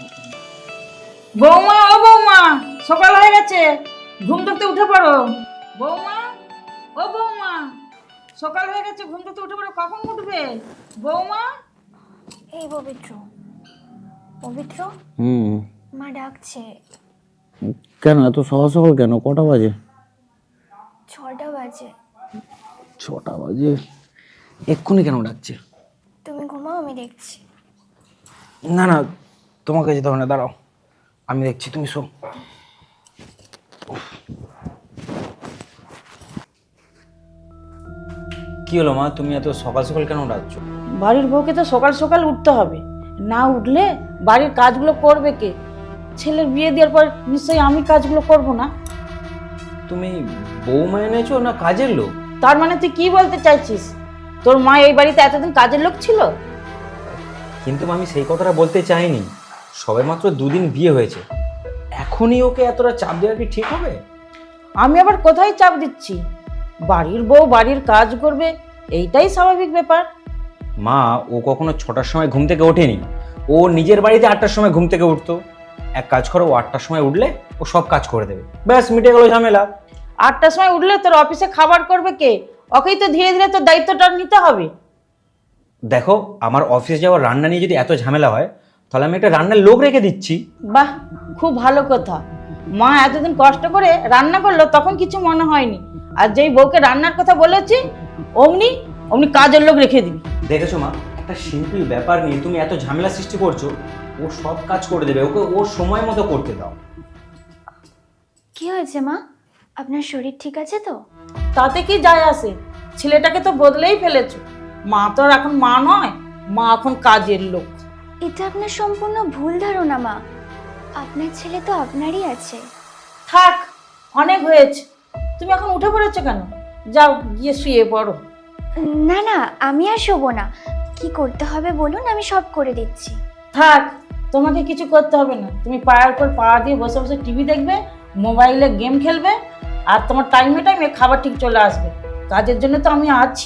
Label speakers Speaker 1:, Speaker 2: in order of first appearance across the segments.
Speaker 1: বৌমা, ও বৌমা, সকাল হয়ে গেছে, ঘুম থেকে উঠে পড়ো। বৌমা, ও বৌমা, সকাল হয়ে গেছে, ঘুম থেকে উঠে পড়ো। কখন উঠবে বৌমা?
Speaker 2: এই পবিত্র, পবিত্র, মা ডাকছে।
Speaker 3: কেন এত সকাল সকাল কেন? কটা বাজে?
Speaker 2: 6টা বাজে।
Speaker 3: 6টা বাজে? এক্ষুনি কেন ডাকছে?
Speaker 2: তুমি ঘুমাও, আমি দেখছি।
Speaker 3: না না, তোমাকে যেতে হবে না, দাঁড়াও, আমি দেখছি, তুমি শো। কি হলো মা, তুমি এত সকাল সকাল কেন ডাকছো?
Speaker 1: বাড়ির বউকে তো সকাল সকাল উঠতে হবে, না উঠলে বাড়ির কাজগুলো করবে কে? ছেলের বিয়ে দেওয়ার পর নিশ্চয়ই আমি কাজগুলো করব না।
Speaker 3: তুমি বৌমা এনেছো না কাজের লোক?
Speaker 1: তার মানে তুই কি বলতে চাইছিস? তোর মা এই বাড়িতে এতদিন কাজের লোক ছিল?
Speaker 3: কিন্তু আমি সেই কথাটা বলতে চাইনি। সবে মাত্র 2 দিন বিয়ে হয়েছে, এখনই ওকে এতটা চাপ দেওয়া কি ঠিক হবে?
Speaker 1: আমি আবার কোথায় চাপ দিচ্ছি? বাড়ির বউ বাড়ির কাজ করবে, এইটাই স্বাভাবিক ব্যাপার।
Speaker 3: মা, ও কখনো 6টার সময় ঘুম থেকে ওঠেনি। ও নিজের বাড়িতে 8টার সময় ঘুম থেকে উঠতো। এক কাজ করো, ও 8টার সময় উঠলে ও সব কাজ করে দেবে, ব্যাস মিটে গেল ঝামেলা।
Speaker 1: 8টার সময় উঠলে তোর অফিসে খাবার করবে কে? ওকেই তো ধীরে ধীরে তোর দায়িত্বটা নিতে হবে।
Speaker 3: দেখো, আমার অফিসে যাওয়ার রান্না নিয়ে যদি এত ঝামেলা হয়, তাহলে আমি একটা রান্নার লোক রেখে দিচ্ছি।
Speaker 1: বাহ, খুব ভালো কথা। মা এতদিন কষ্ট করে রান্না করলো তখন কিছু মনে হয়নি, আর যেই বউকে রান্নার কথা বলেছি অমনি অমনি কাজের লোক রেখে দিবি।
Speaker 3: দেখেছো মা, একটা সিম্পল ব্যাপার নিয়ে তুমি এত ঝামেলা সৃষ্টি করছো। ও সব কাজ করে দেবে, ওকে ওর সময় মতো করতে দাও।
Speaker 2: কি হয়েছে মা? আপনার শরীর ঠিক আছে তো?
Speaker 1: তাতে কি যায় আসে? ছেলেটাকে তো বদলেই ফেলেছো। মা তো আর এখন মা নয়, মা এখন কাজের লোক।
Speaker 2: এটা আপনার সম্পূর্ণ ভুল ধারণা মা। আপনার ছেলে তো আপনারই আছে।
Speaker 1: থাক, অনেক হয়েছে। তুমি এখন উঠে পড়েছো কেন? যাও গিয়ে শুয়ে পড়ো।
Speaker 2: না না, আমি আর শোবো না। কি করতে হবে বলুন, আমি সব করে দিচ্ছি।
Speaker 1: থাক, তোমাকে কিছু করতে হবে না। তুমি পায়ের উপর পা দিয়ে বসে বসে টিভি দেখবে, মোবাইলে গেম খেলবে, আর তোমার টাইমে টাইমে খাবার ঠিক চলে আসবে। কাজের জন্য তো আমি আছি।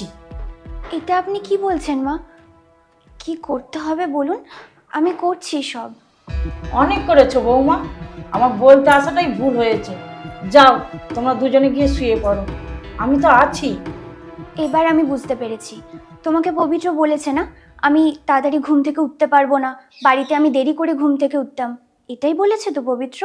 Speaker 2: এটা আপনি কি বলছেন মা? কি করতে হবে বলুন, আমি করছি সব।
Speaker 1: অনেক করেছো বৌমা, আমার বলতে আসাটাই ভুল হয়েছে। যাও, তোমরা দুজনে গিয়ে শুয়ে পড়ো, আমি তো আছি।
Speaker 2: এবার আমি বুঝতে পেরেছি। তোমাকে পবিত্র বলেছে না আমি তাড়াতাড়ি ঘুম থেকে উঠতে পারবো না, বাড়িতে আমি দেরি করে ঘুম থেকে উঠতাম। এটাই বলেছে তো পবিত্র?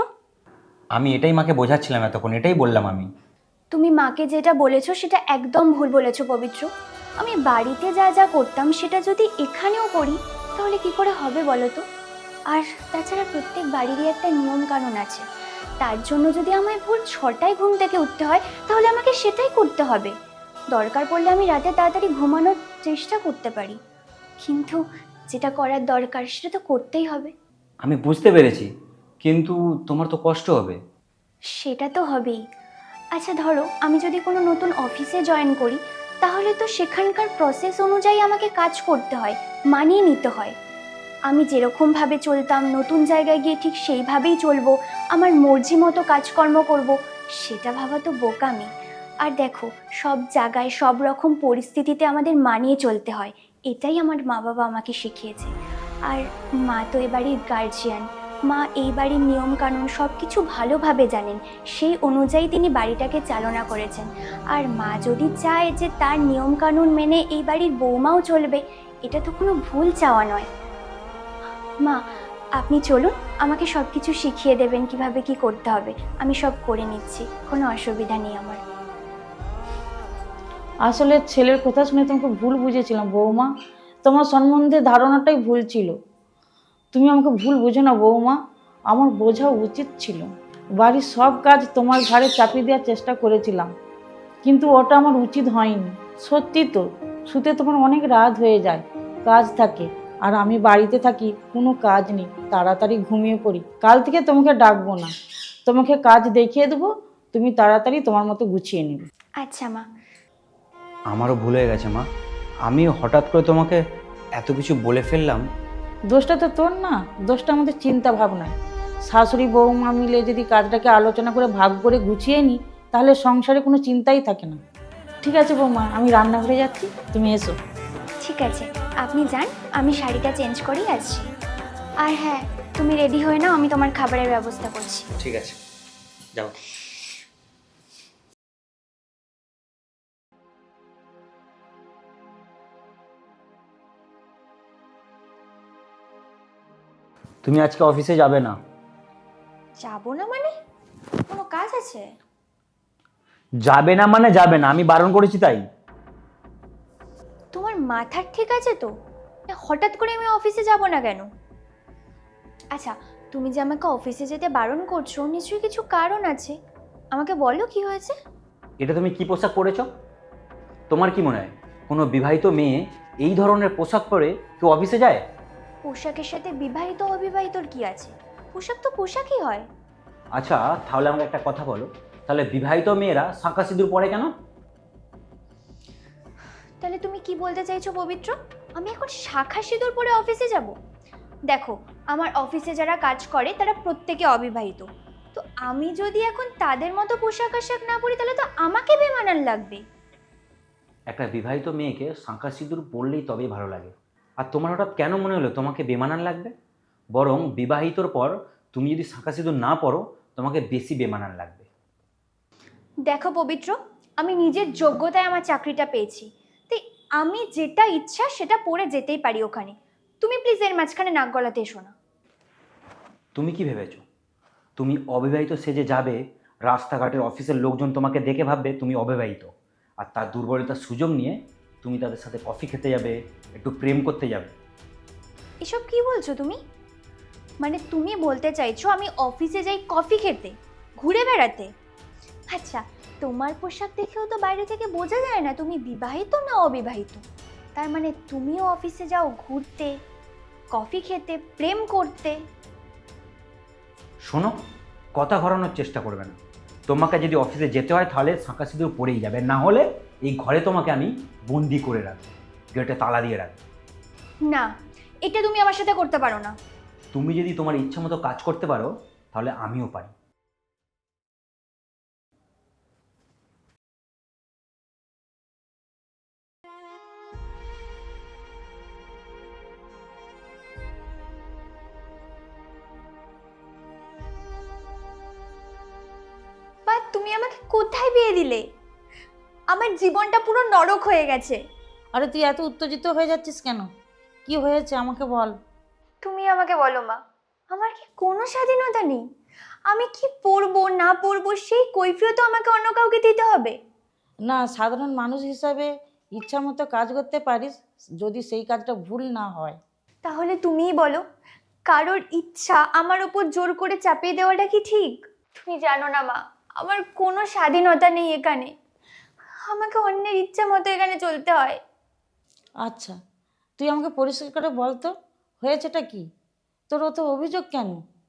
Speaker 3: আমি এটাই মাকে বোঝাচ্ছিলাম এতক্ষণ, এটাই বললাম আমি।
Speaker 2: তুমি মাকে যেটা বলেছো সেটা একদম ভুল বলেছো পবিত্র। আমি বাড়িতে যা যা করতাম সেটা যদি এখানেও করি তাহলে কি করে হবে বলো তো? আর তাছাড়া প্রত্যেক বাড়িরই একটা নিয়ম কানুন আছে। তার জন্য যদি আমায় ভোর 6টায় ঘুম থেকে উঠতে হয় তাহলে আমাকে সেটাই করতে হবে। দরকার পড়লে আমি রাতে তাড়াতাড়ি ঘুমানোর চেষ্টা করতে পারি, কিন্তু যেটা করার দরকার সেটা তো করতেই হবে।
Speaker 3: আমি বুঝতে পেরেছি, কিন্তু তোমার তো কষ্ট হবে।
Speaker 2: সেটা তো হবেই। আচ্ছা ধরো আমি যদি কোনো নতুন অফিসে জয়েন করি, তাহলে তো সেখানকার প্রসেস অনুযায়ী আমাকে কাজ করতে হয়, মানিয়ে নিতে হয়। আমি যেরকমভাবে চলতাম নতুন জায়গায় গিয়ে ঠিক সেইভাবেই চলবো, আমার মর্জি মতো কাজকর্ম করব, সেটা ভাবা তো বোকামি। আর দেখো, সব জায়গায় সব রকম পরিস্থিতিতে আমাদের মানিয়ে চলতে হয়, এটাই আমার মা বাবা আমাকে শিখিয়েছে। আর মা তো এ বাড়ির গার্জিয়ান, মা এই বাড়ির নিয়মকানুন সব কিছু ভালোভাবে জানেন, সেই অনুযায়ী তিনি বাড়িটাকে চালনা করেছেন। আর মা যদি চায় যে তার নিয়মকানুন মেনে এই বাড়ির বৌমাও চলবে, এটা তো কোনো ভুল চাওয়া নয়। মা, আপনি চলুন, আমাকে সব কিছু শিখিয়ে দেবেন কিভাবে কি করতে হবে। আমি সব করে নিচ্ছি, কোনো অসুবিধা নেই আমার।
Speaker 1: আসলে ছেলের কথা শুনে তোমাকে ভুল বুঝেছিলাম বৌমা, তোমার সম্বন্ধে ধারণাটাই ভুল ছিল। তুমি আমাকে ভুল বুঝো না বৌমা, আমার বোঝা উচিত ছিল। বাড়ির সব কাজ তোমার ঘাড়ে চাপিয়ে দেওয়ার চেষ্টা করেছিলাম, কিন্তু ওটা আমার উচিত হয়নি। সত্যি তো, শুতে তোমার অনেক রাত হয়ে যায়, কাজ থাকে, আর আমি বাড়িতে থাকি, কোনো কাজ নেই, তাড়াতাড়ি ঘুমিয়ে পড়ি। কাল থেকে তোমাকে ডাকবো না, তোমাকে কাজ দেখিয়ে দেবো, তুমি তাড়াতাড়ি তোমার মতো গুছিয়ে নেবে।
Speaker 2: আচ্ছা মা।
Speaker 3: আমারও ভুল হয়ে গেছে মা, আমি হঠাৎ করে তোমাকে এত কিছু বলে ফেললাম।
Speaker 1: দোষটা তো তোর না, দোষটা আমাদের চিন্তা ভাবনায়। শাশুড়ি বৌমা মিলে যদি কাজটাকে আলোচনা করে ভাগ করে গুছিয়ে নিই, তাহলে সংসারে কোনো চিন্তাই থাকে না। ঠিক আছে বৌমা, আমি রান্নাঘরে যাচ্ছি, তুমি এসো।
Speaker 2: ঠিক আছে, আপনি যান, আমি শাড়িটা চেঞ্জ করেই আসছি। আর হ্যাঁ, তুমি রেডি হয়ে নাও, আমি তোমার খাবারের ব্যবস্থা করছি।
Speaker 3: ঠিক আছে, যাও। তুমি আজকে অফিসে যাবে না।
Speaker 2: যাবো না মানে? কোনো কাজ আছে?
Speaker 3: যাবে না মানে যাবে না, আমি বারণ করেছি তাই।
Speaker 2: তোমার মাথার ঠিক আছে তো? হঠাৎ করে আমি অফিসে যাব না কেন? আচ্ছা, তুমি যে আমাকে অফিসে যেতে বারণ করছো, নিশ্চয়ই কিছু কারণ আছে। আমাকে বলো কি হয়েছে।
Speaker 3: এটা তুমি কি পোশাক পরেছো? তোমার কি মনে হয় কোনো বিবাহিত মেয়ে এই ধরনের পোশাক পরে কেউ অফিসে যায়?
Speaker 2: পোশাকের সাথে বিবাহিত অবিবাহিতর কি আছে? পোশাক তো পোশাকই হয়।
Speaker 3: আচ্ছা, তাহলে আমাকে একটা কথা বলো, তাহলে বিবাহিত মেয়েরা শাঁখা সিঁদুর পরে কেন?
Speaker 2: তাহলে তুমি কি বলতে চাইছো পবিত্র? আমি এখন শাখা সিঁদুর পরে অফিসে যাব? দেখো, আমার অফিসে যারা কাজ করে তারা প্রত্যেকে অবিবাহিত। তো আমি যদি এখন তাদের মতো পোশাক আশাক না পরি তাহলে তো আমাকে বেমানান লাগবে।
Speaker 3: একটা বিবাহিত মেয়েকে শাঁখা সিঁদুর পরলেই তবেই ভালো লাগে। আর তোমার হঠাৎ কেন মনে হলো তোমাকে বেমানান লাগবে? বরং বিবাহিতর পর তুমি যদি শাঁখা সিঁদুর না পরো তোমাকে বেশি বেমানান লাগবে।
Speaker 2: দেখো পবিত্র, আমি নিজের যোগ্যতায় আমার চাকরিটা পেয়েছি, তাই আমি যেটা ইচ্ছা সেটা পরে যেতেই পারি ওখানে। তুমি প্লিজ এর মাঝখানে নাক গলাতে এসো না।
Speaker 3: তুমি কি ভেবেছো তুমি অবিবাহিত সেজে যাবে, রাস্তাঘাটের অফিসের লোকজন তোমাকে দেখে ভাববে তুমি অবিবাহিত, আর তার দুর্বলতার সুযোগ নিয়ে তুমি তাদের সাথে কফি খেতে যাবে, একটু প্রেম করতে যাবে?
Speaker 2: এসব কি বলছো তুমি? মানে তুমি বলতে চাইছো আমি অফিসে যাই কফি খেতে, ঘুরে বেড়াতে? আচ্ছা, তোমার পোশাক দেখেও তো বাইরে থেকে বোঝা যায় না তুমি বিবাহিত না অবিবাহিত। তার মানে তুমিও অফিসে যাও ঘুরতে, কফি খেতে, প্রেম করতে?
Speaker 3: শোনো, কথা ঘোরানোর চেষ্টা করবে না। তোমাকে যদি অফিসে যেতে হয় তাহলে শাঁখা সিঁদুর পরেই যাবে, না হলে এই ঘরে তোমাকে আমি বন্দি করে রাখবো, গেটে তালা দিয়ে রাখবো।
Speaker 2: না, এটা তুমি আমার সাথে করতে পারো না।
Speaker 3: তুমি যদি তোমার ইচ্ছা মতো কাজ করতে পারো তাহলে আমিও পারি।
Speaker 2: বা তুমি আমাকে কোথায় বিয়ে দিলে? আমার জীবনটা পুরো নরক হয়ে গেছে।
Speaker 1: আরে তুই এত উত্তেজিত হয়ে যাচ্ছিস কেন? কি হয়েছে আমাকে বল।
Speaker 2: তুমি আমাকে বলো মা, আমার কি কোনো স্বাধীনতা নেই? আমি কি পরবো না পরবো সেই কৈফিয়ত আমাকে অন্য কাউকে দিতে হবে?
Speaker 1: না, সাধারণ মানুষ হিসাবে ইচ্ছা মতো কাজ করতে পারিস, যদি সেই কাজটা ভুল না হয়।
Speaker 2: তাহলে তুমিই বলো, কারোর ইচ্ছা আমার উপর জোর করে চাপিয়ে দেওয়াটা কি ঠিক? তুমি জানো না মা, আমার কোনো স্বাধীনতা নেই এখানে। আমাকে অন্যের ইচ্ছা মতো এখানে চলতে হয়।
Speaker 1: আচ্ছা, তুই আমাকে পরিষ্কার করে বল তো, হয়েছেটা কি? তোর অত অভিযোগ কেন?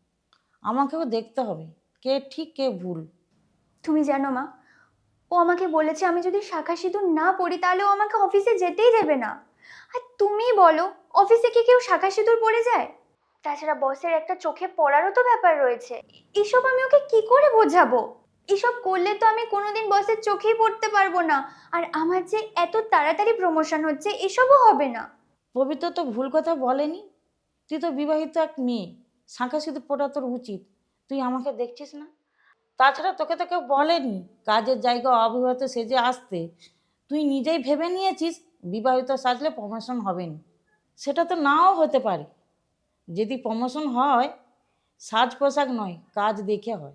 Speaker 1: আমাকেও দেখতে হবে কে ঠিক কে ভুল।
Speaker 2: তুমি জানো মা, ও আমাকে বলেছে আমি যদি শাখা সিঁদুর না পরি তাহলে ও আমাকে অফিসে যেতেই দেবে না। আর তুমি বলো, অফিসে কি কেউ শাখা সিঁদুর পরে যায়? তাছাড়া বসের একটা চোখে পড়ারও তো ব্যাপার রয়েছে। এসব আমি ওকে কি করে বোঝাবো? এসব করলে তো আমি কোনোদিন বসের চোখেই পড়তে পারবো না। আর আমার যে এত তাড়াতাড়ি প্রমোশন হচ্ছে এসবও হবে না।
Speaker 1: পবিত্র তো ভুল কথা বলেনি। তুই তো বিবাহিত এক মেয়ে, শাঁখা সিঁদুর পড়া তোর উচিত। তুই আমাকে দেখছিস না? তাছাড়া তোকে তো কেউ বলেনি কাজের জায়গা অবিবাহিত সেজে আসতে। তুই নিজেই ভেবে নিয়েছিস বিবাহিত সাজলে প্রমোশন হবে না। সেটা তো নাও হতে পারে। যদি প্রমোশন হয়, সাজ পোশাক নয়, কাজ দেখে হয়।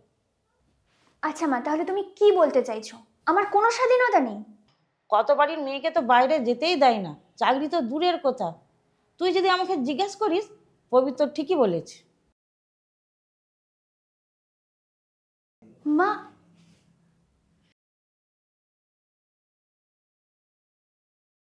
Speaker 2: আচ্ছা মা, তাহলে তুমি কি বলতে চাইছো? আমার কোনো স্বাধীনতা নেই?
Speaker 1: কত বাড়ির মেয়েকে তো বাইরে যেতেই দেয় না, চাকরি তো দূরের কথা। তুই যদি আমাকে জিজ্ঞেস করিস, পবিত্র ঠিকই বলেছে।
Speaker 2: মা,